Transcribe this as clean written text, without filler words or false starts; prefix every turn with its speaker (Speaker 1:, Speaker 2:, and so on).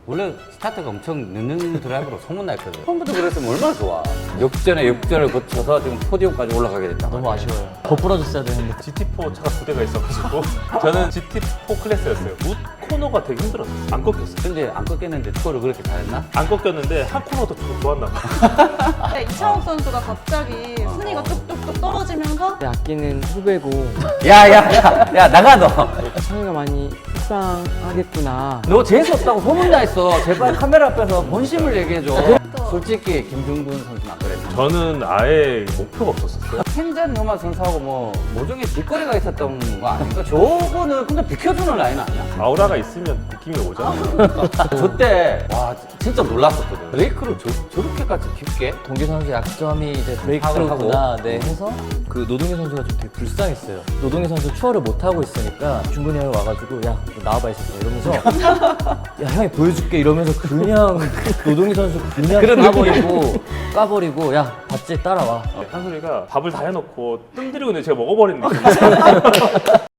Speaker 1: 원래 스타트가 엄청 늦는 드라이버로 소문났거든. 처음부터 그랬으면 얼마나 좋아. 역전에 역전을 거쳐서 지금 포디움까지 올라가게 됐다.
Speaker 2: 너무 아쉬워요. 더 부러졌어야 되는데.
Speaker 3: GT4 차가 2대가 있어가지고 저는 GT4 클래스였어요. 우 코너가 되게 힘들었어요. 안 꺾였어요.
Speaker 1: 근데 안 꺾였는데 스코어를 그렇게 잘했나?
Speaker 3: 안 꺾였는데 한 코너도 좀 좋았나 봐.
Speaker 4: 네, 이창욱 선수가 갑자기 순위가 뚝뚝뚝 떨어지면서
Speaker 5: 아끼는 후배고
Speaker 1: 야, 나가 너.
Speaker 5: 창이가 많이 속상하겠구나.
Speaker 1: 너 재수 없다고 소문났어. 제발 카메라 앞에서 본심을 얘기해줘. 솔직히 김중근 선수는 안 그랬어.
Speaker 3: 저는 아예 목표가 없었어요.
Speaker 1: 캔잔 노마 선수하고 뭐 모종의 뒷거리가 있었던 거 아닌가? 저거는 근데 비켜주는 라인 아니야?
Speaker 3: 아우라가 있으면 느낌이 오잖아요.
Speaker 1: 저때 와 진짜 놀랐었거든. 브레이크를 저렇게까지 깊게?
Speaker 2: 동기 선수 약점이 이제 브레이크구나 네, 해서 그 노동희 선수가 좀 되게 불쌍했어요. 노동희 선수 추월을 못 하고 있으니까 중근이 형이 와가지고 야 너 나와봐 있었어 이러면서 야 형이 보여줄게 이러면서 그냥 노동희 선수 그냥 까버리고 야 봤지 따라와.
Speaker 3: 한솔이가 밥을 다 해놓고 뜸 들이고 있는데 제가 먹어버리는 느낌.